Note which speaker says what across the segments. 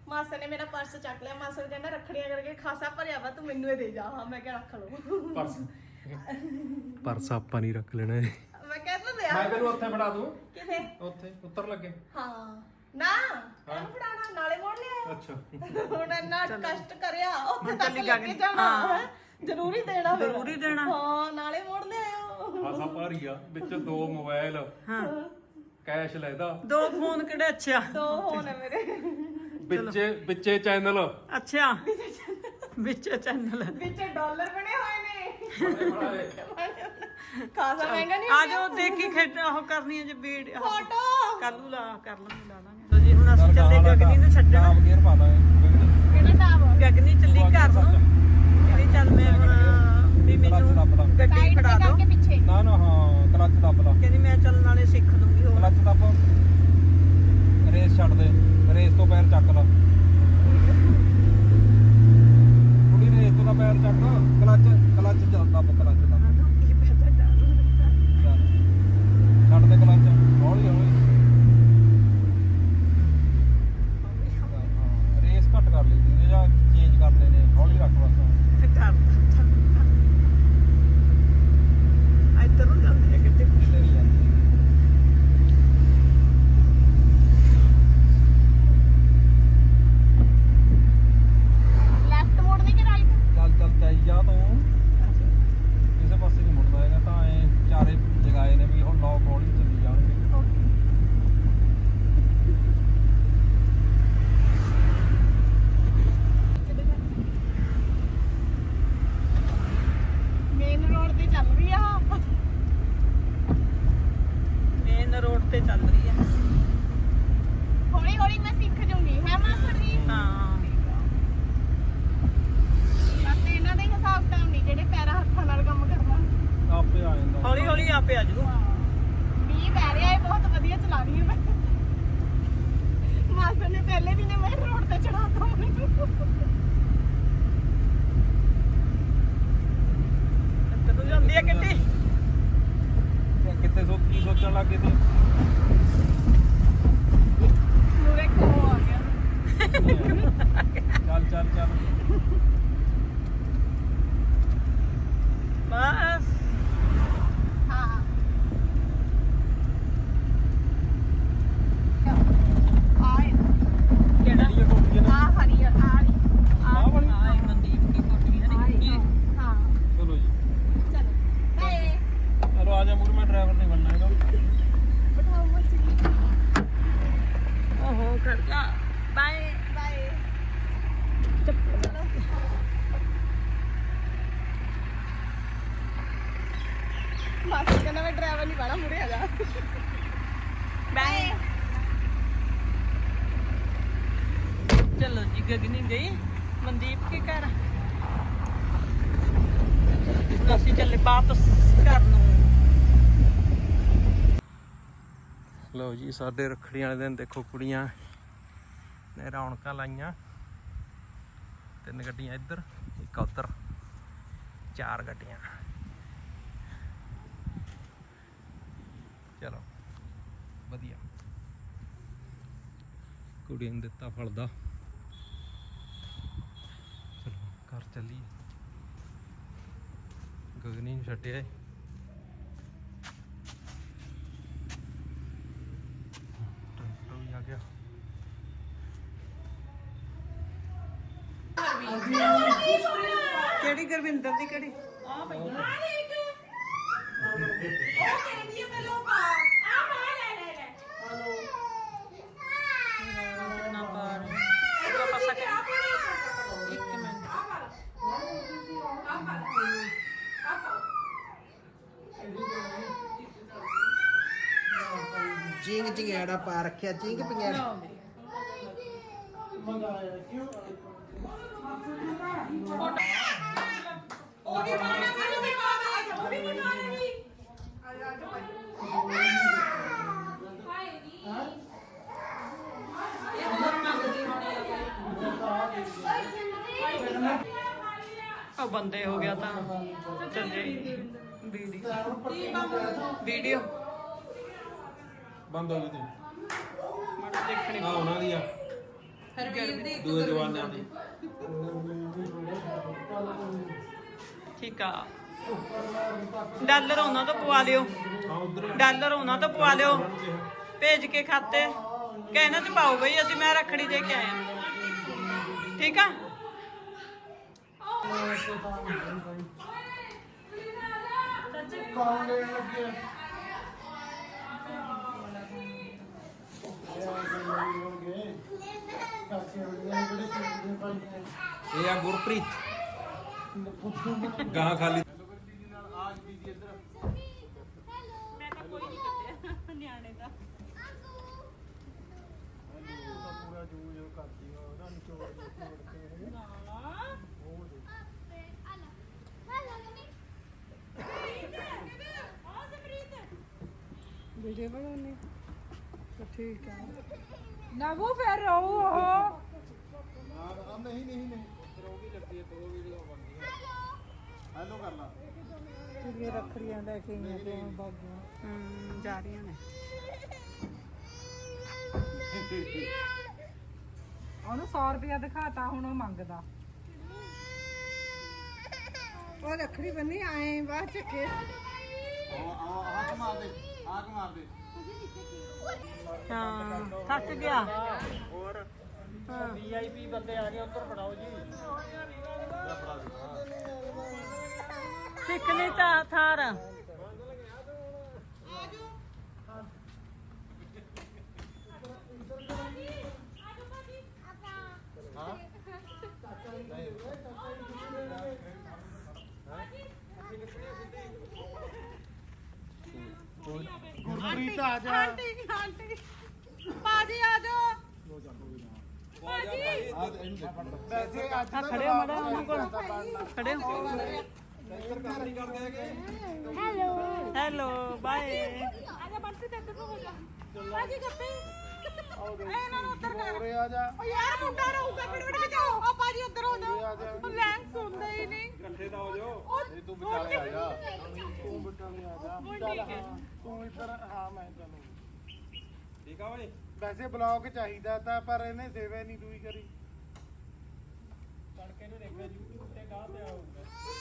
Speaker 1: ਮਾਸਾ ਨੇ ਮੇਰਾ ਪਰਸ ਚੱਕ ਲਿਆ। ਮਾਸਾ ਕਹਿੰਦਾ ਰੱਖੜੀਆਂ ਕਰਕੇ ਖਾਸਾ ਭਰਿਆ ਵਾ, ਤੂੰ ਮੈਨੂੰ ਇਹ ਦੇ ਜਾ। ਹਾਂ ਮੈਂ ਕਿਹਾ ਰੱਖ ਲਓ
Speaker 2: ਪਰਸ ਆਪਾਂ ਨਹੀਂ ਰੱਖ ਲੈਣਾ ਇਹ।
Speaker 1: ਮੈਂ ਕਹਿੰਦਾ ਦੇ
Speaker 2: ਮੈਂ ਤੈਨੂੰ ਉੱਥੇ ਫੜਾ ਦੂੰ।
Speaker 1: ਕਿਥੇ?
Speaker 2: ਉੱਥੇ ਉੱਤਰ ਲੱਗੇ।
Speaker 1: ਹਾਂ ਨਾ ਇਹਨੂੰ ਫੜਾਣਾ ਨਾਲੇ ਮੋੜ ਲਿਆ।
Speaker 2: ਅੱਛਾ
Speaker 1: ਹੁਣ ਇੰਨਾ ਕਸ਼ਟ ਕਰਿਆ ਉੱਥੇ ਤੱਕ ਲੈ ਕੇ ਜਾਣਾ ਜ਼ਰੂਰੀ ਦੇਣਾ,
Speaker 3: ਜ਼ਰੂਰੀ ਦੇਣਾ।
Speaker 1: ਹਾਂ ਨਾਲੇ ਮੋੜ ਲਿਆਓ।
Speaker 2: ਖਾਸਾ ਭਾਰੀ ਆ, ਵਿੱਚ 2 ਮੋਬਾਈਲ,
Speaker 3: ਹਾਂ
Speaker 2: ਕੈਸ਼ ਲੈਦਾ,
Speaker 3: 2 ਫੋਨ ਕਿਹੜੇ? ਅੱਛਾ
Speaker 1: 2 ਫੋਨ ਹੈ ਮੇਰੇ
Speaker 2: ਵਿੱਚੇ ਚੈਨਲ।
Speaker 3: ਅੱਛਾ ਵਿੱਚ ਚੈਨਲ
Speaker 1: ਵਿੱਚ ਡਾਲਰ ਬਣੇ ਹੋਏ ਨੇ। ਖਾਸਾ ਮਹਿੰਗਾ ਨਹੀਂ।
Speaker 3: ਆ ਜਾਓ ਦੇਖੀ ਖੇਡ ਉਹ ਕਰਨੀ ਹੈ ਜੇ ਵੀਡੀਓ
Speaker 1: ਫੋਟੋ
Speaker 3: ਕੱਲੂ ਲਾ ਲਾਂਗੇ ਜੀ। ਹੁਣ ਅਸੀਂ ਚੱਲੇ ਗਗਨੀ ਨੂੰ ਛੱਡਣ।
Speaker 2: ਟਾਪ ਗੇਅਰ ਪਾ ਦਾਂਗੇ।
Speaker 1: ਕਿਹੜਾ ਟਾਪ?
Speaker 3: ਗਗਨੀ ਚੱਲੀ ਘਰ ਨੂੰ। ਕਹਿੰਦੀ ਚੱਲ ਮੈਂ ਹੁਣ ਵੀ ਮੈਨੂੰ ਗੱਡੀ ਫੜਾ ਦੋ।
Speaker 1: ਪਿੱਛੇ
Speaker 2: ਨਾ ਨਾ ਹਾਂ ਕਲੱਚ ਦੱਬ ਲਾ।
Speaker 3: ਕਹਿੰਦੀ ਮੈਂ ਚੱਲਣ ਵਾਲੇ ਸਿੱਖ ਦੂੰਗੀ। ਹੋਰ
Speaker 2: ਕਲੱਚ ਦੱਬ, ਰੇਸ ਛੱਡ ਦੇ, ਰੇਸ ਤੋਂ ਪੈਰ ਚੱਕ ਲਾ। ਥੋੜੀ ਰੇਸ ਤੋਂ ਦਾ ਪੈਰ ਚੱਕ, ਕਲੱਚ ਦੱਬ, ਕਲੱਚ ਦੱਬ।
Speaker 3: ਕੀ ਪਤਾ ਡਰ
Speaker 2: ਚੱਲ ਛੱਡ ਦੇ ਕਲੱਚ, ਹੌਲੀ ਹੌਲੀ। ਹਾਂ ਰੇਸ ਘੱਟ ਕਰ ਲਈ ਸੀ ਜਾਂ ਚੇਂਜ ਕਰਨੇ ਨੇ, ਹੌਲੀ ਰੱਖ ਬਸ।
Speaker 3: ਇੱਧਰ ਨੂੰ ਜਾਂਦੀ ਹੈ ਕਿਤੇ।
Speaker 2: ਕਿਤੇ ਨਹੀਂ ਜਾਂਦੀ।
Speaker 1: ਲੈਫਟ ਮੋੜਨੀ ਕਿ ਰਾਈਟ?
Speaker 2: ਚੱਲ ਚਾਈ ਜਾ ਤੂੰ, ਕਿਸੇ ਪਾਸੇ ਨਹੀਂ ਮੁੜਦਾ ਹੈਗਾ। ਤਾਂ ਐ ਚਾਰੇ ਜਗਾਏ ਨੇ ਵੀ ਹੁਣ ਲੋਕ ਹੌਲੀ ਚੱਲੀ ਜਾਣਗੇ।
Speaker 1: ਮੇਨ ਰੋਡ ਤੇ ਚੱਲ ਰਹੀ ਆ।
Speaker 3: ਮੇਨ ਰੋਡ ਤੇ ਚੱਲ ਰਹੀ ਹੈ।
Speaker 1: ਹੌਲੀ ਹੌਲੀ ਮੈਂ ਸਿੱਖ ਜੂੰਗੀ ਹੈ ਮਾਸਟਰ ਜੀ।
Speaker 3: ਹਾਂ
Speaker 1: ਬਸ ਇਹਨਾਂ ਦੇ ਹਿਸਾਬ ਤਾਂ ਨਹੀਂ ਜਿਹੜੇ ਪੈਰਾਂ ਹੱਥਾਂ ਨਾਲ ਕੰਮ ਕਰਨਾ।
Speaker 2: ਆਪੇ ਆ ਜਾਂਦਾ।
Speaker 3: ਹੌਲੀ ਹੌਲੀ ਆਪੇ ਆ ਜੂ।
Speaker 1: ਮੀਂਹ ਪੈ ਰਿਹਾ ਹੈ, ਬਹੁਤ ਵਧੀਆ ਚਲਾ ਰਹੀ ਹਾਂ ਮੈਂ। ਮਾਸਟਰ ਨੇ ਪਹਿਲੇ ਵੀ ਨੇ ਮੇਨ ਰੋਡ ਤੇ ਚੜਾਤਾ ਮੈਨੂੰ।
Speaker 3: ਇੱਧਰ ਨੂੰ ਜਾਂਦੀ ਹੈ ਕਿੱਡੀ।
Speaker 2: ਕਿਤੇ ਕੀ ਸੋਚਣ ਲੱਗ ਗਏ ਤੇ
Speaker 1: ਮੂਰੇ ਕੋ ਆ ਗਿਆ।
Speaker 2: ਚੱਲ ਚੱਲ ਚੱਲ।
Speaker 3: ਬਸ
Speaker 1: ਹਾਂ ਆਏ
Speaker 3: ਕਿਹੜਾ?
Speaker 2: ਇਹ ਕੋਠੀ ਨੇ।
Speaker 1: ਆ ਹਰੀ ਆ ਰਹੀ।
Speaker 2: ਆਹ ਵਾਲੀ।
Speaker 3: ਆਏ ਮਨਦੀਪ ਦੀ ਕੋਠੀ ਹੈ ਨੀ।
Speaker 1: ਹਾਂ
Speaker 2: ਚਲੋ ਜੀ,
Speaker 1: ਚਲੋ ਬਾਏ।
Speaker 2: ਚਲੋ ਆ ਜਾ ਮੂਰ, ਮੈਂ ਡਰਾਈਵਰ ਨਹੀਂ ਬਣਨਾ ਹੈਗਾ।
Speaker 1: ਬਿਠਾਓ ਮਸੀ।
Speaker 3: ਓਹੋ ਕਰਦਾ ਬਾਏ
Speaker 1: ਬਾਏ। ਮਾਸਟਰ ਕਹਿੰਦਾ ਮੈਂ ਡਰਾਈਵਰ ਨਹੀਂ ਬਣਾ, ਮੁਰੇ ਆ ਜਾ।
Speaker 3: ਬਾਏ। ਚਲੋ ਜੀ ਗਗਨੀ ਗਈ ਮਨਦੀਪ ਕੀ ਕਰ। ਅਸੀਂ ਚੱਲੇ ਵਾਪਸ ਘਰ ਨੂੰ।
Speaker 2: ਲਓ ਜੀ, ਸਾਡੇ ਰੱਖੜੀ ਵਾਲੇ ਦਿਨ ਦੇਖੋ ਕੁੜੀਆਂ ਨੇ ਰੌਣਕਾਂ ਲਾਈਆਂ। 3 ਗੱਡੀਆਂ ਇੱਧਰ, 1 ਉੱਧਰ, 4 ਗੱਡੀਆਂ। ਚਲੋ ਵਧੀਆ, ਕੁੜੀ ਨੂੰ ਦਿੱਤਾ ਫਲਦਾ। ਚਲੋ ਘਰ ਚੱਲੀਏ। ਗਗਨੀ ਨੂੰ ਛੱਡਿਆ ਟਰੈਕਟਰ ਵੀ ਆ ਗਿਆ।
Speaker 3: ਕਿਹੜੀ ਗੁਰਵਿੰਦਰ ਦੀ ਕਿਹੜੀ? ਆ ਪਈ ਨਾ ਪਾਰ ਇਹਦਾ ਪਾਸਾ ਕਰ। ਇੱਕ ਮਿੰਟ
Speaker 4: ਜਿੰਗ ਜਿੰਗੜਾ ਪਾ ਰੱਖਿਆ, ਜਿੰਗ ਪਿੰਗੜਾ।
Speaker 1: ਉਹ ਵੀ ਬਣਾਉਣਾ ਮੈਨੂੰ ਵੀ ਬਾਅਦ ਉਹ ਵੀ ਬਣਾਉਣੀ।
Speaker 3: ਉਹ ਬੰਦੇ ਹੋ ਗਿਆ ਤਾਂ ਚੱਲੇ ਵੀਡੀਓ
Speaker 2: ਬੰਦ ਹੋ ਗਈ ਤੇ
Speaker 3: ਮੜ ਦੇਖਣੀ
Speaker 2: ਆ ਉਹਨਾਂ ਦੀ ਆ। ਦੂਏ ਜਵਾਨਾਂ ਦੀ।
Speaker 3: ਠੀਕ ਆ ਡਾਲਰ ਉਹਨਾਂ ਤੋਂ ਪਵਾ ਲਿਓ ਡਾਲਰ ਉਹਨਾਂ ਤੋਂ ਪਵਾ ਲਿਓ ਭੇਜ ਕੇ ਖਾਤੇ ਕਹਿਣਾ ਤੇ ਪਾਓ ਬਈ ਅਸੀਂ ਮੈਂ ਰੱਖੜੀ ਦੇ ਕੇ ਆਇਆ ਠੀਕ ਆ
Speaker 2: ਇਹ ਆ ਗੁਰਪ੍ਰੀਤ ਗਾਂ ਖਾਲੀ
Speaker 3: ਮੈਂ ਤਾਂ ਕੋਈ ਨਹੀਂ ਕੱਟਿਆ ਨਿਆਣੇ ਦਾ
Speaker 5: ਵੀਡੀਓ ਬਣਾਉਣੀ ਤਾਂ ਠੀਕ ਹੈ ਨਾ ਉਹ ਫਿਰ ਰਹੋ ਉਹ ਕੁੜੀਆਂ ਰੱਖੜੀਆਂ ਲੈ ਕੇ ਆਈਆਂ ਤੇ ਬਾਗੀਆਂ
Speaker 3: ਜਾ ਰਹੀਆਂ ਨੇ
Speaker 5: ਉਹਨੂੰ 100 ਰੁਪਇਆ ਦਿਖਾਤਾ ਹੁਣ ਉਹ ਮੰਗਦਾ ਉਹ ਰੱਖੜੀ ਬੰਨੀ ਆਏ ਬਾਅਦ ਚੱਕੇ
Speaker 3: ਹਾਂ ਥੱਕ ਗਿਆ
Speaker 2: ਹੋਰ ਵੀਆਈਪੀ ਬੰਦੇ ਆ ਗਏ ਉੱਧਰ ਫੜਾਓ ਜੀ
Speaker 3: ਸਿੱਖਣੀ ਤਾਂ ਥਾਰ
Speaker 5: ਗੁਰਪ੍ਰੀਤ ਆ ਜਾ ਆਂਟੀ ਪਾਜੀ ਆ ਜਾ ਵੈਸੇ ਅੱਜ
Speaker 3: ਖੜੇ ਹੋ ਮੜਾ ਉਹਨਾਂ ਕੋਲ ਖੜੇ ਹੋ ਹੈਲੋ ਬਾਏ
Speaker 5: ਆਜਾ ਬੰਟੀ ਤੇ ਇੱਧਰ ਹੋ ਜਾ ਪਾਜੀ ਗੱਪੀ ਇਹਨਾਂ ਨੂੰ ਉੱਧਰ ਕਰ
Speaker 4: ਆ ਜਾ
Speaker 5: ਓ ਯਾਰ ਮੁੰਡਾ ਰਹੂਗਾ ਮਿੰਟ ਬਚਾਓ ਆ ਪਾਜੀ ਉੱਧਰ ਹੋ ਜਾ ਉਹ ਲੈਂਸ ਸੁਣਦਾ ਹੀ ਨਹੀਂ
Speaker 2: ਇਕੱਠੇ ਤਾਂ ਹੋ ਜਾਓ
Speaker 4: ਤੂੰ ਵਿਚਾਲੇ ਆ ਜਾ
Speaker 5: ਤੂੰ
Speaker 4: ਵਿਚਾਲੇ ਆ ਜਾ
Speaker 5: ਠੀਕ ਹੈ
Speaker 4: ਤੂੰ ਇੱਧਰ ਹਾਂ ਮੈਂ ਚਲੋ
Speaker 2: ਠੀਕ ਆ ਓਏ
Speaker 4: ਵੈਸੇ ਬਲੌਗ ਚਾਹੀਦਾ ਤਾਂ ਪਰ ਇਹਨੇ ਸੇਵਾ ਨਹੀਂ ਦੂਈ ਕਰੀ
Speaker 2: ਤੜਕੇ ਨੂੰ ਦੇਖਿਆ YouTube ਤੇ ਗਾਹ ਤੇ ਆਊਗਾ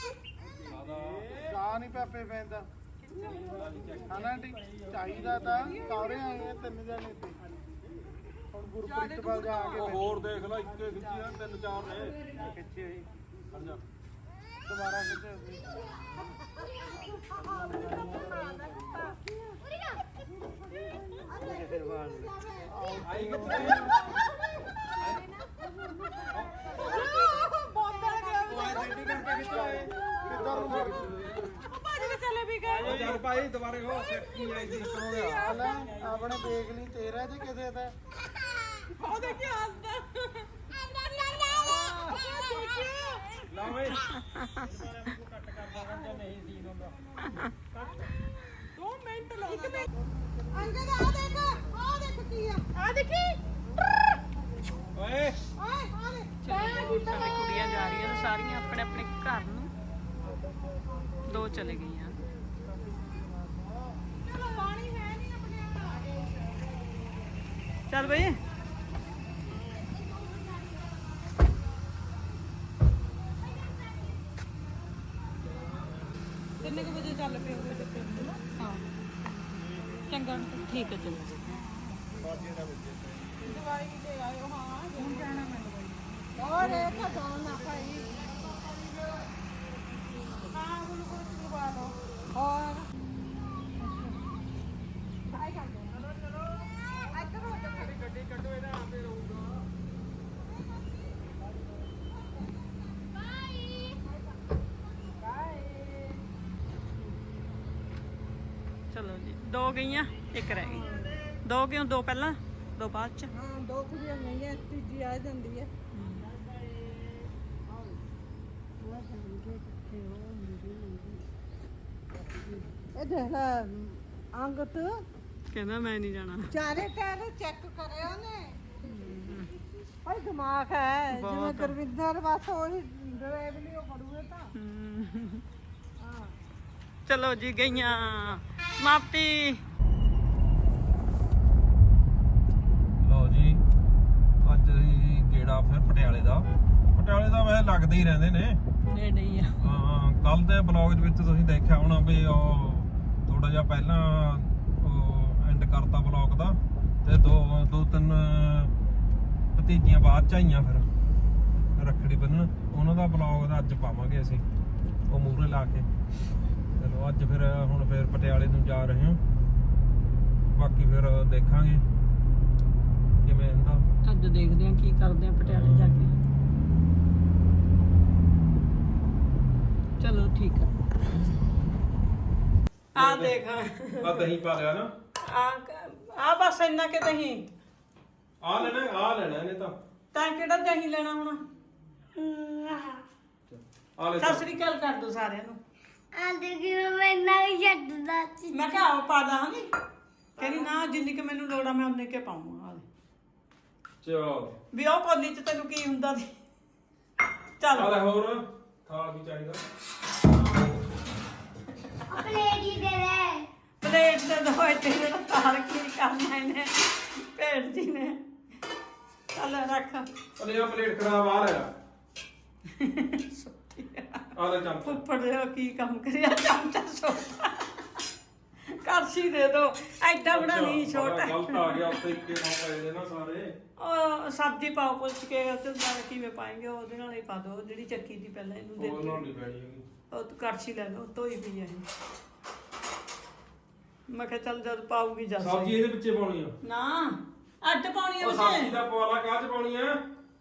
Speaker 4: ਜਾ ਨਹੀਂ ਪਾਪੇ ਪੈਂਦਾ ਹਨਾ ਆਂਟੀ ਚਾਹੀਦਾ ਤਾਂ ਸਾਰੇ ਆਏ ਆ 3 ਜਣੇ ਤੇ ਹੁਣ ਗੁਰਪ੍ਰੀਤ ਵੱਲ ਜਾ ਕੇ
Speaker 2: ਹੋਰ ਦੇਖ ਲੈ ਇੱਕੇ ਖਿੱਚੀ ਆ 3-4 ਨੇ
Speaker 4: ਖਿੱਚੇ ਸੀ
Speaker 2: ਖੜ ਜਾ
Speaker 4: ਦੁਬਾਰਾ ਖਿੱਚੇ ਸੀ
Speaker 2: ਆਈ ਕਿੱਥੇ
Speaker 4: ਕਿੱਧਰ ਨੂੰ ਫਿਰ
Speaker 5: ਪਾਜੀ ਤੇ ਚਲੇ ਵੀ ਗਏ
Speaker 2: ਚੱਲ ਭਾਈ ਦੁਬਾਰੇ ਹੋ ਸੈਕਟਰੀ ਆਈ ਸੀ ਕਰੋ
Speaker 4: ਹਾਲ ਆਪਣੇ ਦੇਖ ਲਈ ਤੇਰਾ ਜੇ ਕਿਸੇ ਦਾ
Speaker 5: ਉਹ ਦੇਖੀ ਹੱਸਦਾ
Speaker 2: ਲਾ ਓਏ
Speaker 5: 2 ਮਿੰਟ ਲਾਉਣਾ ਅੰਗਦ ਆ ਦੇਖ ਕੀ ਆ ਦੇਖੀ
Speaker 2: ਓਏ
Speaker 5: ਓਏ ਆ ਦੇ
Speaker 3: ਸਾਡੇ ਕੁੜੀਆਂ ਜਾ ਰਹੀਆਂ ਨੇ ਸਾਰੀਆਂ ਆਪਣੇ ਆਪਣੇ ਘਰ ਨੂੰ 2 ਚਲੇ ਗਈਆਂ
Speaker 5: ਚਲੋ ਪਾਣੀ ਹੈ ਨਹੀਂ ਆਪਣੇ
Speaker 3: ਚੱਲ ਬਈ
Speaker 5: ਕਿੰਨੇ ਕੁ ਵਜੇ ਚੱਲ ਪਏ ਹੋਗੇ ਤੇ ਪਿੰਡ ਨੂੰ ਹਾਂ ਚੰਗਾ
Speaker 3: ਠੀਕ ਹੈ ਚਲੋ
Speaker 5: ਦਵਾਈ ਦੇ ਆਇਓ ਹਾਂ ਹੁਣ ਜਾਣਾ ਮੈਂ ਦਵਾਈ ਹੋਰ ਇਹ ਤਾਂ ਜਾਣ ਨਾ ਭਾਈ ਹਾਂ ਉਹਨੂੰ ਕੁਝ ਦਵਾ ਲਓ ਹੋਰ ਆਈ ਕਰ ਦੋ ਚਲੋ ਇੱਧਰ ਹੋ ਜਾ
Speaker 2: ਗੱਡੀ ਕੱਢੋ ਇਹਦਾ ਆਪੇ ਰਹੂਗਾ
Speaker 3: ਚਲੋ ਜੀ 2 ਗਈਆਂ 1 ਰਹਿ ਗਈ 2 ਕਿਉਂ 2 ਪਹਿਲਾਂ 2 ਬਾਅਦ ਚ
Speaker 5: ਹਾਂ 2 ਕੁੜੀਆਂ ਗਈਆਂ ਤੀਜੀ ਆ ਜਾਂਦੀ ਹੈ ਇਹ ਦੇਖ ਲੈ ਅੰਗਤ
Speaker 3: ਕਹਿੰਦਾ ਮੈਂ ਨਹੀਂ ਜਾਣਾ
Speaker 5: ਚਾਰੇ ਟਾਇਰ ਚੈੱਕ ਕਰਿਆ ਉਹਨੇ ਭਾਈ ਦਿਮਾਗ ਹੈ ਜਿਵੇਂ
Speaker 3: ਬਹੁਤ।
Speaker 5: ਗੁਰਵਿੰਦਰ ਬਸ ਉਹੀ ਡਰਾਈਵ ਨਹੀਂ ਉਹ ਕਰੂਗੇ ਤਾਂ ਹਾਂ
Speaker 3: ਚਲੋ ਜੀ ਗਈਆਂ ਸਮਾਪਤੀ
Speaker 2: ਲਓ ਜੀ ਅੱਜ ਅਸੀਂ ਫਿਰ ਪਟਿਆਲੇ ਦਾ ਵੈਸੇ ਲੱਗਦੇ ਹੀ ਰਹਿੰਦੇ ਨੇ
Speaker 3: ਨੇੜੇ ਹੀ ਆ।
Speaker 2: ਹਾਂ ਕੱਲ ਦੇ ਬਲੌਗ ਦੇ ਵਿੱਚ ਤੁਸੀਂ ਦੇਖਿਆ ਹੋਣਾ ਵੀ ਉਹ ਥੋੜਾ ਜਿਹਾ ਪਹਿਲਾਂ ਉਹ ਐਂਡ ਕਰਤਾ ਬਲੌਗ ਦਾ ਤੇ ਦੋ ਤਿੰਨ ਭਤੀਜੀਆਂ ਬਾਅਦ ਚ ਆਈਆਂ ਫਿਰ ਰੱਖੜੀ ਬੰਨਣ ਉਹਨਾਂ ਦਾ ਬਲੌਗ ਦਾ ਅੱਜ ਪਾਵਾਂਗੇ ਅਸੀਂ ਉਹ ਮੂਹਰੇ ਲਾ ਕੇ। ਚਲੋ ਅੱਜ ਫਿਰ ਹੁਣ ਫਿਰ ਪਟਿਆਲੇ ਨੂੰ ਜਾ ਰਹੇ ਹਾਂ ਬਾਕੀ ਫਿਰ ਦੇਖਾਂਗੇ ਕਿਵੇਂ ਹੁੰਦਾ।
Speaker 3: ਅੱਜ ਦੇਖਦੇ ਆ ਕੀ ਕਰਦੇ ਆ ਪਟਿਆਲੇ ਜਾ ਕੇ। ਚਲੋ ਠੀਕ ਆ ਦੇਖ
Speaker 2: ਆ ਦਹੀਂ ਪਾ ਲਿਆ ਨਾ
Speaker 3: ਆ ਬਸ ਇੰਨਾ ਕਿ ਦਹੀਂ
Speaker 2: ਆ ਲੈਣਾ ਇਹਨੇ ਤਾਂ
Speaker 3: ਕਿਹੜਾ ਦਹੀਂ ਲੈਣਾ ਹੁਣ।
Speaker 2: ਆ ਲੈ
Speaker 3: ਸਤਿ ਸ੍ਰੀ ਅਕਾਲ ਕਰ ਦੋ ਸਾਰਿਆਂ ਨੂੰ।
Speaker 5: ਮੈਂ
Speaker 3: ਮੈਂ ਕਿਹਾ ਆਓ ਪਾ ਦਾਂ ਨਹੀਂ ਕਹਿੰਦੀ ਨਾ ਜਿੰਨੀ ਕਿ ਮੈਨੂੰ ਲੋੜ ਆ ਮੈਂ ਉਨੇ ਕੇ ਪਾਉਂਗਾ।
Speaker 2: ਚਲ
Speaker 3: ਵੀ ਉਹ ਕੋਲੀ ਚ ਤੈਨੂੰ ਕੀ ਹੁੰਦਾ ਸੀ। ਚੱਲ
Speaker 2: ਆ ਲੈ ਹੋਰ ਥਾਲ ਵੀ ਚਾਹੀਦਾ
Speaker 3: ਪਲੇਟ ਤੇ ਦੋ ਇੱਥੇ ਜਿਹੜਾ ਤਾਲ ਕੀ ਕਰਨਾ ਇਹਨੇ ਭੇੜ ਜੀ ਨੇ। ਚੱਲ ਰੱਖ
Speaker 2: ਅਲੇ ਆ ਪਲੇਟ ਖਰਾਬ ਆ ਲੈ ਆ ਲੈ ਚਮਚ
Speaker 3: ਫੁੱਫੜ ਦੇ ਕੀ ਕੰਮ ਕਰਿਆ ਚਮਚਾ ਛੋਟਾ ਕਰਸੀ ਦੇ ਦੋ ਐਡਾ ਬੜਾ ਨਹੀਂ ਛੋਟਾ।
Speaker 2: ਗਲਤ ਆ ਗਿਆ ਉੱਤੇ ਇੱਕੇ ਨਾਲ ਪਏ ਨੇ ਨਾ ਸਾਰੇ।
Speaker 3: ਉਹ ਸਬਜ਼ੀ ਪਾਓ ਪੁੱਛ ਕੇ ਤੇ ਨਾਲ ਕਿਵੇਂ ਪਾਏਂਗੇ ਉਹਦੇ ਨਾਲ ਹੀ ਪਾ ਦੋ ਜਿਹੜੀ ਚੱਕੀ ਦੀ ਪਹਿਲਾਂ ਇਹਨੂੰ ਦੇ
Speaker 2: ਉਹ
Speaker 3: ਦਿਓ।
Speaker 2: ਨਾਲ ਨਹੀਂ ਪੈਣੀ ਹੈਗੀ।
Speaker 3: ਉਹ ਤੂੰ ਕੜਛੀ ਲੈ ਲਓ ਧੋਈ ਪਈ ਆ ਇਹ। ਮੈਂ ਕਿਹਾ ਚੱਲ ਜਦ ਪਾਉਗੀ ਜਦ
Speaker 2: ਸਬਜ਼ੀ ਇਹਦੇ ਵਿੱਚੇ ਪਾਉਣੀ ਆ
Speaker 3: ਨਾ ਅੱਡ ਪਾਉਣੀ ਆ
Speaker 2: ਉਹ ਸਬਜ਼ੀ
Speaker 3: ਵਿੱਚ
Speaker 2: ਦਾ ਪਵਾਲਾ ਕਾਹ ਚ ਪਾਉਣੀ ਆ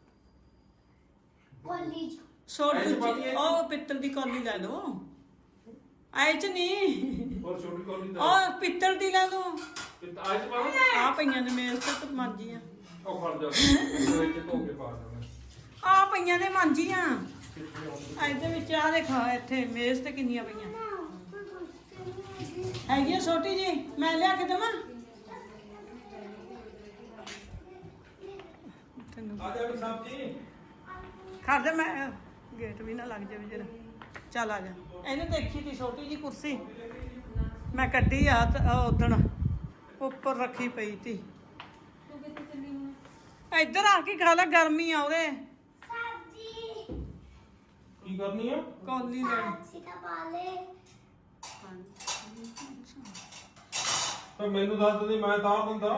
Speaker 3: ਛੋਟੀ ਉਹ ਪਿੱਤਲ ਦੀ ਕੌਲੀ ਲੈ ਲਓ ਐ ਚ ਨਹੀਂ
Speaker 2: ਹੋਰ ਛੋਟੀ ਕੌਲੀ ਦਾ
Speaker 3: ਉਹ ਪਿੱਤਲ ਦੀ ਲੈ ਲਓ
Speaker 2: ਆਜ ਪਾਉਣਾ
Speaker 3: ਆ ਪਈਆਂ ਨੇ ਮੇਜ਼ ਤੇ ਮਾਂਜੀਆਂ
Speaker 2: ਉਹ ਖੜ ਜਾ ਇਹਦੇ ਵਿੱਚ ਧੋ ਕੇ ਪਾ ਦੇਣਾ
Speaker 3: ਆ ਪਈਆਂ ਨੇ ਮਾਂਜੀਆਂ ਇਹਦੇ ਵਿੱਚ ਆ ਦੇਖੋ ਇੱਥੇ ਮੇਜ਼ ਤੇ ਕਿੰਨੀਆਂ ਪਈਆਂ ਹੈਗੀ ਆ ਛੋਟੀ ਜੀ ਮੈਂ ਲਿਆ ਕੇ ਦੇਵਾਂ
Speaker 2: ਆ ਜਾ ਵੀ ਸਬਜ਼ੀ
Speaker 3: ਖੜ ਜਾ ਮੈਂ ਗੇਟ ਵੀ ਨਾ ਲੱਗ ਜਾਵੇ ਜਰਾ ਚੱਲ ਆ ਜਾ ਇਹਨੇ ਦੇਖੀ ਤੀ ਛੋਟੀ ਜੀ ਕੁਰਸੀ ਮੈਂ ਕੱਢੀ ਆ ਉਦਣ ਉੱਪਰ ਰੱਖੀ ਪਈ ਤੀ ਇੱਧਰ ਆ ਕੇ ਖਾ ਲੈ ਗਰਮੀ ਆ ਉਹਦੇ
Speaker 2: ਕੀ ਕਰਨੀ ਆ
Speaker 3: ਕੌਲੀ ਲੈਣੀ
Speaker 2: ਪਰ ਮੈਨੂੰ ਦੱਸ ਦੇ ਮੈਂ ਤਾਰ ਦਿੰਦਾ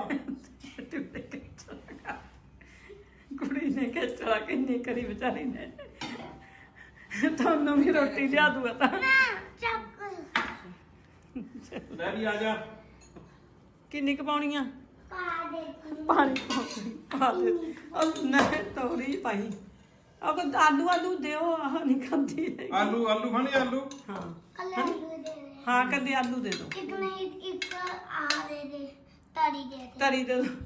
Speaker 3: ਕੁੜੀ ਨੇ ਖੇਚਲਾ ਕਿੰਨੀ ਕਰੀ ਵਿਚਾਰੀ ਨੇ ਤੁਹਾਨੂੰ ਵੀ ਰੋਟੀ ਲਿਆ ਦੂਗਾ ਤਾਂ
Speaker 2: ਲੈ ਵੀ ਆ ਜਾ
Speaker 3: ਕਿੰਨੀ ਕੁ ਪਾਉਣੀ ਆ ਪਾਣੀ ਪਾ ਦੇ ਉਹ ਨਹੀਂ ਤੋੜੀ ਪਾਈ ਉਹ ਆਲੂ ਦਿਓ ਆਹ ਨਹੀਂ ਖਾਂਦੀ ਹੈਗੀ।
Speaker 2: ਆਲੂ ਖਾਣੇ ਆਲੂ
Speaker 3: ਹਾਂ ਹਾਂ ਕੱਲੇ ਆਲੂ ਦੇ ਦੋ ਤਰੀ ਦੇ ਦੋ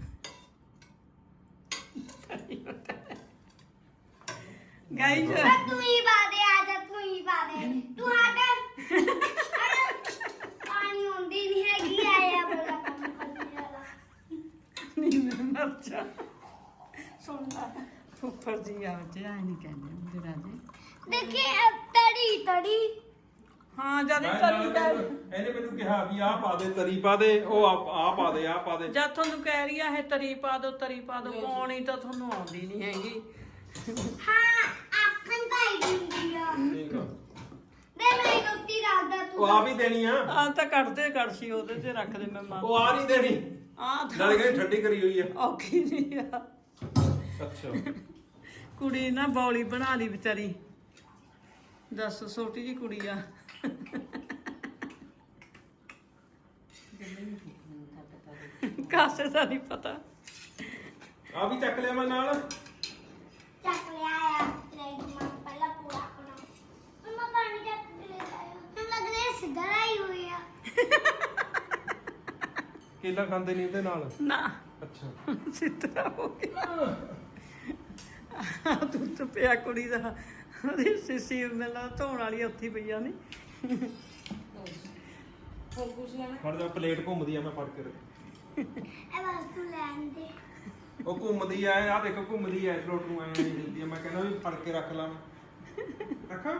Speaker 3: ਗਾਈਜ਼
Speaker 5: ਤੂੰ ਹੀ ਪਾ ਦੇ ਆ ਜਾ ਤੂੰ ਹੀ ਪਾ ਦੇ ਤੂੰ ਹਟ ਪਾਣੀ ਹੁੰਦੀ ਨਹੀਂ ਹੈਗੀ ਆਇਆ ਬੜਾ ਕੰਮ ਕਰਨੇ ਵਾਲਾ
Speaker 3: ਨਹੀਂ ਮੈਂ ਮਰ ਜਾ ਸੁਣ ਲੈ ਫੁੱਫੜ ਜੀ ਆ ਜੇ ਆਈ ਨਹੀਂ ਕਹਿੰਦੇ ਹੁੰਦੇ ਰਾਜੇ
Speaker 5: ਦੇਖੀ ਤੜੀ
Speaker 3: ਹਾਂ ਜਦ
Speaker 2: ਮੈਂ
Speaker 3: ਤਰੀ
Speaker 2: ਨਾਲ
Speaker 3: ਦਾ
Speaker 2: ਇਹਨੇ ਮੈਨੂੰ ਕਿਹਾ ਵੀ ਆਹ ਪਾ ਦੇ ਤਰੀ ਪਾ ਦੇ ਉਹ ਆਹ ਪਾ ਦੇ
Speaker 3: ਜਦ ਤੁਹਾਨੂੰ ਕਹਿ ਰਹੀ ਆ ਇਹ ਤਰੀ ਪਾ ਦੋ ਪਾਉਣੀ ਤਾਂ ਤੁਹਾਨੂੰ ਆਉਂਦੀ ਨਹੀਂ ਹੈਗੀ
Speaker 5: ਹਾਂ ਆਖਣ ਭਾਈ ਦਿੰਦੀ ਆ
Speaker 2: ਠੀਕ ਆ
Speaker 5: ਦੇ ਮੇਰੀ ਰੋਟੀ ਰੱਖ ਦੇ
Speaker 2: ਉਹ ਆ ਵੀ ਦੇਣੀ ਆ
Speaker 3: ਆ ਤਾਂ ਕੱਢਦੇ ਕੜਛੀ ਉਹਦੇ ਤੇ ਰੱਖ ਦੇ ਮੈਂ ਮਾਂ
Speaker 2: ਉਹ ਆ ਨਹੀਂ ਦੇਣੀ
Speaker 3: ਆ
Speaker 2: ਨਾਲੇ ਕਹਿੰਦੀ ਠੰਡੀ ਕਰੀ ਹੋਈ ਆ
Speaker 3: ਔਖੀ ਨਹੀਂ ਆ
Speaker 2: ਅੱਛਾ
Speaker 3: ਕੁੜੀ ਨਾ ਬੌਲੀ ਬਣਾ ਲਈ ਵਿਚਾਰੀ ਦੱਸ ਛੋਟੀ ਜੀ ਕੁੜੀ ਆ ਕਾਸੇ ਦਾ ਨਹੀਂ ਪਤਾ
Speaker 2: ਆ ਵੀ ਚੱਕ ਲਿਆ ਮੈਂ ਨਾਲ
Speaker 5: ਚੱਕ ਲਿਆ ਆ ਤੇਰੀ ਮਾਂ ਪਹਿਲਾਂ ਪੂਰਾ ਖਾਣਾ ਮਮਾ ਪਾਣੀ ਚੱਕ ਕੇ ਲੈ ਆਇਆ ਹੁਣ ਲੱਗ ਰਿਹਾ ਸਿੱਧਾ ਹੀ ਹੋਈ ਆ
Speaker 2: ਕੇਲਾ ਖਾਂਦੇ ਨਹੀਂ ਉਹਦੇ ਨਾਲ
Speaker 3: ਨਾ
Speaker 2: ਅੱਛਾ
Speaker 3: ਸਿੱਧਾ ਹੋ ਗਿਆ ਤੂੰ ਤਾਂ ਪਿਆ ਕੁੜੀ ਦਾ ਉਹਦੀ ਸਿੱਸੀ ਮੈਨੂੰ ਧੋਣ ਵਾਲੀ ਉੱਥੇ ਪਈਆਂ ਨੇ
Speaker 2: ਫੜ ਜਾ ਪਲੇਟ ਘੁੰਮਦੀ ਆ ਮੈਂ ਫੜ ਕੇ ਰੱਖ
Speaker 5: ਇਹ ਬਸ ਤੂੰ ਲੈਣ ਦੇ
Speaker 2: ਉਹ ਘੁੰਮਦੀ ਆ ਆਹ ਦੇਖੋ ਘੁੰਮਦੀ ਆ ਫਲੋਟ ਨੂੰ ਐਂ ਨਹੀਂ ਦਿੰਦੀ ਆ ਮੈਂ ਕਹਿੰਦਾ ਵੀ ਫੜ ਕੇ ਰੱਖ ਲਾ ਰੱਖਾਂ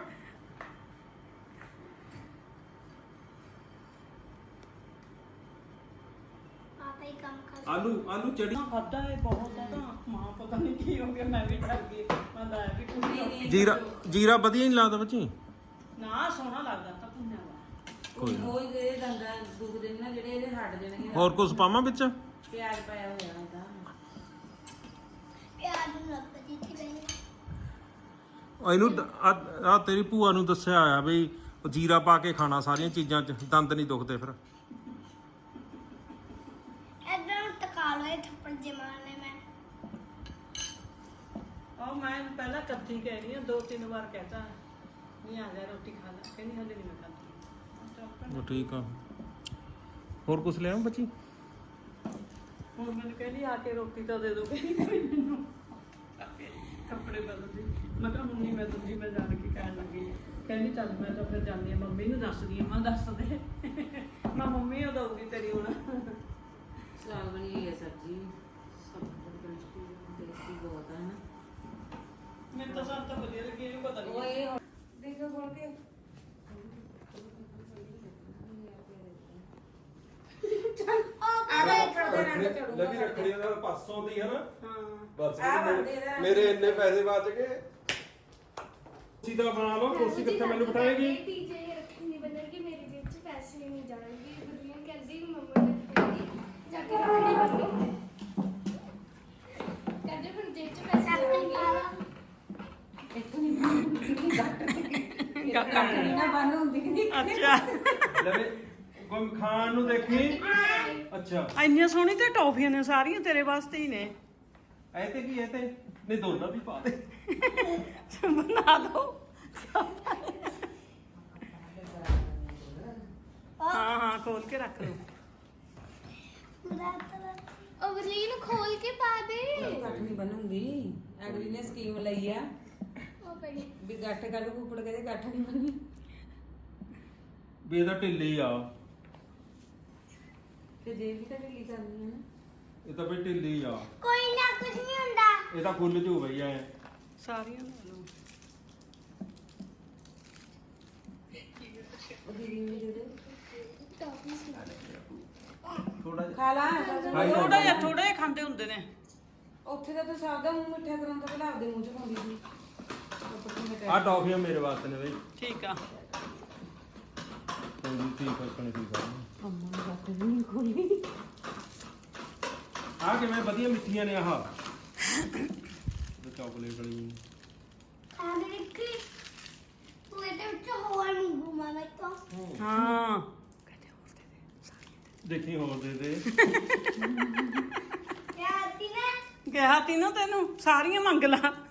Speaker 5: ਪਾਪਾ ਹੀ ਕੰਮ ਕਰ
Speaker 2: ਆਲੂ ਚੜੀ
Speaker 3: ਖਾਦਾ ਹੈ ਬਹੁਤ ਹੈ ਤਾਂ ਮਾਂ ਪਤਾ ਨਹੀਂ ਕੀ ਹੋ ਗਿਆ ਮੈਂ ਵੀ ਡਰ ਗਈ ਮੈਂ ਤਾਂ ਵੀ ਕੁਝ ਨਹੀਂ
Speaker 2: ਜੀਰਾ ਵਧੀਆ ਨਹੀਂ ਲੱਗਦਾ ਬੱਚੀ
Speaker 3: ਨਾ ਸੋਹਣਾ ਲੱਗਦਾ ਤਾਂ ਪੁੰਨਿਆ ਵਾ
Speaker 2: ਕੋਈ ਨਾ
Speaker 6: ਉਹ ਜਿਹੜੇ ਦੰਦਾਂ ਦੁਖਦੇ ਨੇ ਨਾ ਜਿਹੜੇ ਇਹਦੇ ਹਟ ਜਾਣਗੇ
Speaker 2: ਹੋਰ ਕੁਝ ਪਾਵਾਂ ਵਿੱਚ
Speaker 6: ਪਿਆਜ਼ ਪਾਇਆ ਹੋਇਆ ਹੁੰਦਾ
Speaker 5: ਪਿਆਜ਼ ਨੂੰ ਲੱਗ ਦਿੱਤੀ ਬੈਣੀ
Speaker 2: ਇਹਨੂੰ ਆ ਤੇਰੀ ਭੂਆ ਨੂੰ ਦੱਸਿਆ ਹੋਇਆ ਵੀ ਉਹ ਜੀਰਾ ਪਾ ਕੇ ਖਾਣਾ ਸਾਰੀਆਂ ਚੀਜ਼ਾਂ 'ਚ ਦੰਦ ਨਹੀਂ ਦੁਖਦੇ ਫਿਰ
Speaker 5: ਇਦਾਂ ਟਕਾ ਲਏ ਥੱਪੜ ਜਮਾਨੇ ਮੈਂ
Speaker 3: ਉਹ ਮੈਂ ਪਹਿਲਾਂ ਕੱਥੀ ਕਹਿ ਰਹੀ ਹਾਂ 2-3 ਵਾਰ ਕਹਤਾ ਨਹੀਂ ਆ ਜਾ ਰੋਟੀ ਖਾ ਲੈ ਕਹਿੰਦੀ ਹਲੇ ਨਹੀਂ ਮੈਂ ਖਾਂਦੀ
Speaker 2: ਉਹ ਠੀਕ ਆ ਹੋਰ ਕੁਝ ਲਿਆਵਾਂ ਬੱਚੀ
Speaker 3: ਹੁਣ ਮੈਨੂੰ ਕਹਿੰਦੀ ਆ ਕੇ ਰੋਟੀ ਤਾਂ ਦੇ ਦੋ ਮੈਨੂੰ ਕੱਪੜੇ ਬਦਲ ਦੇ ਮੈਂ ਕਿਹਾ ਹੁਣ ਨਹੀਂ ਮੈਂ ਦੂਜੀ ਮੈਂ ਜਾਣ ਕੇ ਕਹਿਣ ਲੱਗੀ ਕਹਿੰਦੀ ਚੱਲ ਮੈਂ ਤਾਂ ਫਿਰ ਜਾਂਦੀ ਆ ਮੰਮੀ ਨੂੰ ਦੱਸਦੀ ਆ ਮੈਂ ਦੱਸ ਦੇ ਮੈਂ ਮੰਮੀ ਨੂੰ ਦਊਗੀ ਤੇਰੀ ਹੁਣ
Speaker 6: ਸਵਾਦ ਬਣੀ ਹੋਈ ਹੈ ਸਬਜ਼ੀ ਸਭ ਤੋਂ ਟੇਸਟੀ ਬਹੁਤ ਹੈ ਨਾ
Speaker 3: ਮੈਨੂੰ ਤਾਂ ਸਭ ਤੋਂ ਵਧੀਆ ਲੱਗੀ ਇਹਨੂੰ ਪਤਾ
Speaker 6: ਉਹ
Speaker 3: ਨਹੀਂ
Speaker 6: ਇਹ ਦੇਖੋ ਖੋਲ ਕੇ
Speaker 2: ਲਵੀ ਰੱਖੜੀ ਦਾ ਪਾਸੋਂ ਦੀ ਹੈ ਨਾ
Speaker 3: ਹਾਂ
Speaker 2: ਬਸ
Speaker 6: ਆ ਬੰਦੇ ਦਾ
Speaker 2: ਮੇਰੇ ਇੰਨੇ ਪੈਸੇ ਬਚ ਗਏ ਸਿੱਧਾ ਬਣਾ ਲਓ ਕੁਰਸੀ ਕਿੱਥੇ ਮੈਨੂੰ ਬਿਠਾਏਗੀ
Speaker 7: ਟੀਚਰ ਰੱਖੀ ਨਹੀਂ ਬਦਲਗੀ ਮੇਰੀ ਜੇਬ 'ਚ ਪੈਸੇ ਨਹੀਂ ਜਾਣਗੇ ਗੁਰਲੀਨ ਕਹਿੰਦੀ ਮੰਮਾ ਨੇ ਕਹਿੰਦੀ ਜਾ ਕੇ ਰੱਖੜੀ ਬੰਨੋ ਕਹਿੰਦੇ ਹੁਣ ਜੇਬ 'ਚ ਪੈਸੇ ਜਾਣਗੇ
Speaker 6: ਕੱਟਣੀ ਨਾ ਬੰਨ ਹੁੰਦੀ ਨਹੀਂ
Speaker 3: ਅੱਛਾ
Speaker 2: ਲਵੇ ਕੋਈ ਖਾਣ ਨੂੰ ਦੇਖੀ ਅੱਛਾ
Speaker 3: ਇੰਨੀਆਂ ਸੋਹਣੀ ਤੇ ਟੌਫੀਆਂ ਨੇ ਸਾਰੀਆਂ ਤੇਰੇ ਵਾਸਤੇ ਹੀ ਨੇ
Speaker 2: ਐ ਤੇ ਕੀ ਐ ਤੇ ਨਹੀਂ ਦੋਨਾਂ ਵੀ ਪਾ ਦੇ
Speaker 3: ਬਣਾ ਦੋ ਹਾਂ ਖੋਲ ਕੇ ਰੱਖ ਲਓ
Speaker 7: ਉਹ ਗੁਰਲੀਨ ਖੋਲ ਕੇ ਪਾ ਦੇ
Speaker 6: ਕੱਟਣੀ ਬਣੂਗੀ ਅਗਲੀ ਨੇ ਸਕੀਮ ਲਈ ਆ
Speaker 7: ਉਹ ਪਈ
Speaker 6: ਵੀ ਗੱਠ ਕੱਲ ਕੁੱਪੜ ਕੇ ਗੱਠ ਨਹੀਂ ਬਣਨੀ
Speaker 2: ਵੀ ਇਹਦਾ ਢਿੱਲੀ ਆ
Speaker 6: ਤੇ ਜੇ ਵੀ ਤਾਂ ਢਿੱਲੀ ਕਰਨੀ ਹੈ ਨਾ
Speaker 2: ਇਹ ਤਾਂ ਵੀ ਢਿੱਲੀ ਆ
Speaker 5: ਕੋਈ ਨਾ ਕੁਝ ਨਹੀਂ ਹੁੰਦਾ
Speaker 2: ਇਹ ਤਾਂ ਖੁੱਲ ਜੂ ਬਈ ਐ
Speaker 3: ਸਾਰੀਆਂ ਲੈ ਲਓ
Speaker 6: ਉਹ ਦੀਦੀ ਨੂੰ ਦੇ ਦੇ
Speaker 7: ਟੌਫੀਸ
Speaker 2: ਥੋੜਾ ਜਿਹਾ
Speaker 6: ਖਾ ਲਾ
Speaker 3: ਥੋੜਾ ਜਿਹਾ ਖਾਂਦੇ ਹੁੰਦੇ ਨੇ
Speaker 6: ਉੱਥੇ ਤਾਂ ਤੂੰ ਸਭ ਦਾ ਮੂੰਹ ਮਿੱਠਾ ਕਰਾਉਣ ਤੋਂ ਪਹਿਲਾਂ ਆਪਦੇ ਮੂੰਹ 'ਚ ਪਾਉਂਦੀ ਸੀ
Speaker 2: ਆ ਟੌਫੀਆਂ ਮੇਰੇ ਵਾਸਤੇ ਨੇ ਬਈ
Speaker 3: ਠੀਕ ਆ
Speaker 2: ਕੋਈ ਨਹੀਂ ਠੀਕ ਫਰਕਣੇ ਠੀਕ ਆ
Speaker 6: ਅੰਮਾ ਨੂੰ ਗੱਠ ਵੀ ਨਹੀਂ ਖੋਲੀ
Speaker 2: ਆ ਕਿਵੇਂ ਵਧੀਆ ਮਿੱਠੀਆਂ ਨੇ ਆਹ ਤੇ ਚਾਕਲੇਟ ਵਾਲੀ
Speaker 5: ਖਾ ਦੇ ਦੇਖੀ ਤੂੰ ਇਹਦੇ ਵਿੱਚ ਹੋਰ ਮੰਗੂ ਮਾਮਾ ਤੋਂ
Speaker 3: ਹਾਂ
Speaker 2: ਦੇਖੀ ਹੋਰ ਦੇ ਦੇ
Speaker 5: ਕਿਆ ਆਤੀ ਨਾ
Speaker 3: ਕਿਹਾ ਤੀ ਨਾ ਤੈਨੂੰ ਸਾਰੀਆਂ ਮੰਗ ਲਾ
Speaker 2: ਆ,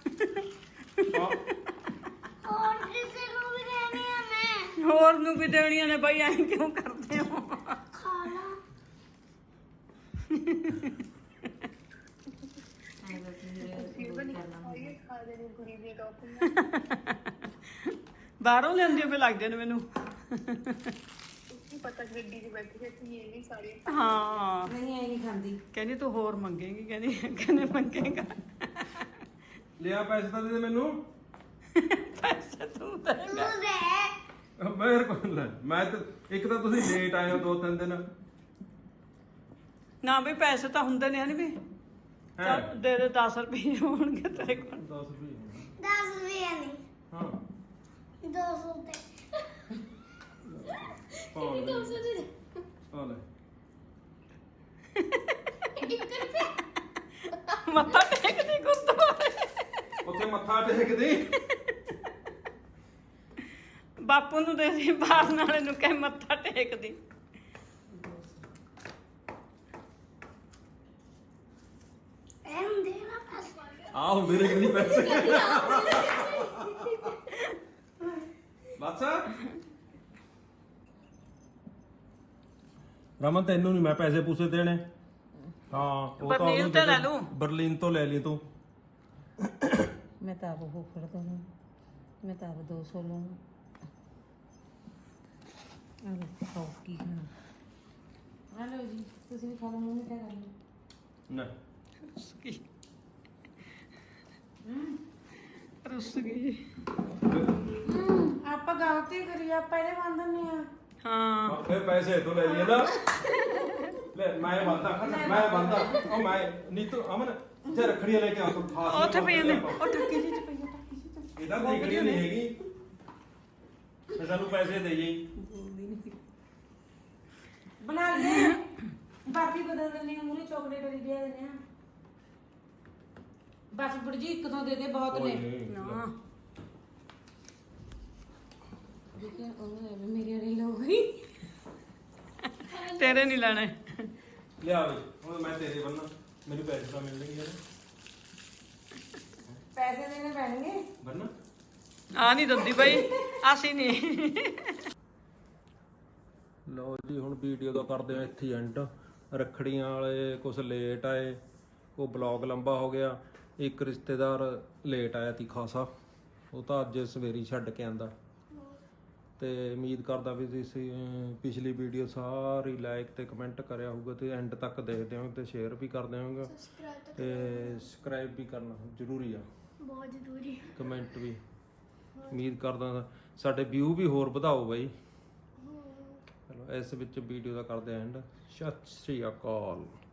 Speaker 5: ਹੋਰ ਕਿਸੇ ਨੂੰ ਵੀ ਦੇਣੀ ਆ ਮੈਂ
Speaker 3: ਹੋਰ ਨੂੰ ਵੀ ਦੇਣੀਆਂ ਨੇ ਬਈ ਐਂ ਕਿਉਂ ਕਰਦੇ ਹੋ
Speaker 5: ਖਾ ਲਾ
Speaker 3: ਬਾਹਰੋਂ ਲੈਂਦੀ ਵੀ ਲੱਗਦੇ ਨੇ ਮੈਨੂੰ ਹਾਂ
Speaker 6: ਨਹੀਂ ਐ ਨਹੀਂ ਖਾਂਦੀ
Speaker 3: ਕਹਿੰਦੀ ਤੂੰ ਹੋਰ ਮੰਗੇਂਗੀ ਕਹਿੰਦੀ ਮੰਗੇਗਾ
Speaker 2: ਲਿਆ ਪੈਸੇ ਤਾਂ ਦੇ ਦੇ ਮੈਨੂੰ
Speaker 3: ਪੈਸੇ ਤੂੰ ਦੇਗਾ
Speaker 5: ਤੂੰ ਦੇ
Speaker 2: ਮੇਰੇ ਕੋਲ ਲੈ ਮੈਂ ਤਾਂ ਇੱਕ ਤਾਂ ਤੁਸੀਂ ਲੇਟ ਆਏ ਹੋ 2-3 ਦਿਨ
Speaker 3: ਨਾ ਵੀ ਪੈਸੇ ਤਾਂ ਹੁੰਦੇ ਨੇ ਹਨ ਵੀ
Speaker 2: ਹੈ
Speaker 3: ਚੱਲ ਦੇ ਦੇ 10 ਰੁਪਏ ਹੋਣਗੇ ਤੇਰੇ ਕੋਲ
Speaker 2: 10 ਰੁਪਏ
Speaker 5: 10 ਰੁਪਏ ਨਹੀਂ
Speaker 2: ਹਾਂ
Speaker 5: 200 ਤੇ
Speaker 2: ਪਾ ਲੈ ਪਾ ਲੈ
Speaker 3: ਮੱਥਾ ਟੇਕਦੀ ਗੁਰਦੁਆਰੇ
Speaker 2: ਉੱਥੇ ਮੱਥਾ ਟੇਕਦੀ
Speaker 3: ਬਾਪੂ ਨੂੰ ਦੇ ਦੇ ਬਾਹਰ ਨਾਲੇ ਨੂੰ ਕਹਿ ਮੱਥਾ ਟੇਕਦੀ
Speaker 5: ਐਮ ਦੇ ਨਾ ਪਾਸ
Speaker 2: ਆਹੋ ਮੇਰੇ ਕੋਲ ਨਹੀਂ ਪੈਸੇ ਬਸ ਰਮਨ ਤੈਨੂੰ ਨਹੀਂ ਮੈਂ ਪੈਸੇ ਪੂਸੇ ਦੇਣੇ ਹਾਂ ਉਹ ਤਾਂ
Speaker 3: ਬਰਲੀਨ ਤੋਂ ਲੈ ਲੂੰ।
Speaker 2: ਬਰਲੀਨ ਤੋਂ ਲੈ ਲਈ ਤੂੰ
Speaker 6: ਮੈਂ ਤਾਂ ਆਪ ਉਹ ਫੜ ਦੂੰ ਮੈਂ ਤਾਂ ਆਪ 200 ਲਵਾਂ ਆ ਲੈ ਖਾਓ ਕੀ ਖਾਣਾ ਆ ਲਓ ਜੀ ਤੁਸੀਂ ਵੀ ਖਾ ਲਓ ਮੂੰਹ ਮਿੱਠਾ ਕਰ ਲਓ
Speaker 2: ਨਾ
Speaker 3: ਰੁੱਸ ਗਈ ਰੁੱਸ ਗਈ
Speaker 6: ਆਪਾਂ ਗਲਤੀ ਕਰੀ ਆਪਾਂ ਇਹਦੇ ਮੰਨ ਦਿੰਦੇ ਆ
Speaker 3: ਹਾਂ
Speaker 2: ਫਿਰ ਪੈਸੇ ਤੋਂ ਲੈ ਲਈਏ ਨਾ ਲੈ ਮੈਂ ਬੰਦਾ ਉਹ ਮੈਂ ਨੀਤੂ ਅਮਨ ਇੱਥੇ ਰੱਖੜੀਆਂ ਲੈ ਕੇ ਆ ਤੂੰ ਖਾਸ
Speaker 3: ਉੱਥੇ ਪਈ ਨੇ ਉਹ ਟੱਕੀ ਜੀ ਚ ਪਈ ਆ ਟੱਕੀ ਜੀ ਚ
Speaker 2: ਇਹਦਾ ਦੇਖਣੀ ਨਹੀਂ ਹੈਗੀ ਤੇ ਸਾਨੂੰ ਪੈਸੇ ਦੇ ਜਾਈ
Speaker 6: ਬਣਾ ਲੈ ਬਾਕੀ ਬਦਲ ਦਿੰਦੇ ਆ ਮੂਰੇ ਚਾਕਲੇਟ ਵਾਲੀ ਦੇ ਦਿੰਦੇ ਆ ਬਸ ਬੁੜ ਜੀ ਇੱਕ ਤੋਂ ਦੇ ਦੇ ਬਹੁਤ ਨੇ ਨਾ ਦੇਖਿਆ ਉਹ ਮੇਰੇ ਵਾਲੀ ਲੋ ਗਈ
Speaker 3: ਤੇਰੇ ਨਹੀਂ ਲੈਣੇ
Speaker 2: ਲਿਆ ਬਈ ਹੁਣ ਮੈਂ ਤੇਰੇ ਬੰਨਾ ਮੈਨੂੰ ਪੈਸੇ ਤਾਂ ਮਿਲਣਗੇ ਯਾਰ
Speaker 6: ਪੈਸੇ ਦੇਣੇ ਪੈਣਗੇ
Speaker 2: ਬੰਨਾ
Speaker 3: ਆ ਨਹੀਂ ਦਿੰਦੀ ਬਈ ਅਸੀਂ ਨਹੀਂ
Speaker 2: ਲਓ ਜੀ ਹੁਣ ਵੀਡੀਓ ਦਾ ਕਰਦੇ ਆ ਇੱਥੇ ਐਂਡ ਰੱਖੜੀਆਂ ਵਾਲੇ ਕੁਝ ਲੇਟ ਆਏ ਉਹ ਬਲੌਗ ਲੰਬਾ ਹੋ ਗਿਆ ਇੱਕ ਰਿਸ਼ਤੇਦਾਰ ਲੇਟ ਆਇਆ ਤੀ ਖਾਸਾ ਉਹ ਤਾਂ ਅੱਜ ਸਵੇਰੀ ਛੱਡ ਕੇ ਆਂਦਾ ਤੇ ਉਮੀਦ ਕਰਦਾ ਵੀ ਤੁਸੀਂ ਪਿਛਲੀ ਵੀਡੀਓ ਸਾਰੀ ਲਾਈਕ ਤੇ ਕਮੈਂਟ ਕਰਿਆ ਹੋਊਗਾ ਤੇ ਐਂਡ ਤੱਕ ਦੇਖਦੇ ਹੋ ਤੇ ਸ਼ੇਅਰ ਵੀ ਕਰਦੇ ਹੋਗੇ ਤੇ ਸਬਸਕ੍ਰਾਈਬ ਵੀ ਕਰਨਾ ਜ਼ਰੂਰੀ ਆ
Speaker 7: ਬਹੁਤ ਜ਼ਰੂਰੀ
Speaker 2: ਕਮੈਂਟ ਵੀ ਉਮੀਦ ਕਰਦਾ ਸਾਡੇ ਵਿਊ ਵੀ ਹੋਰ ਵਧਾਓ ਬਾਈ ਚਲੋ ਇਸ ਵਿੱਚ ਵੀਡੀਓ ਦਾ ਕਰਦੇ ਐਂਡ ਸਤਿ ਸ਼੍ਰੀ ਅਕਾਲ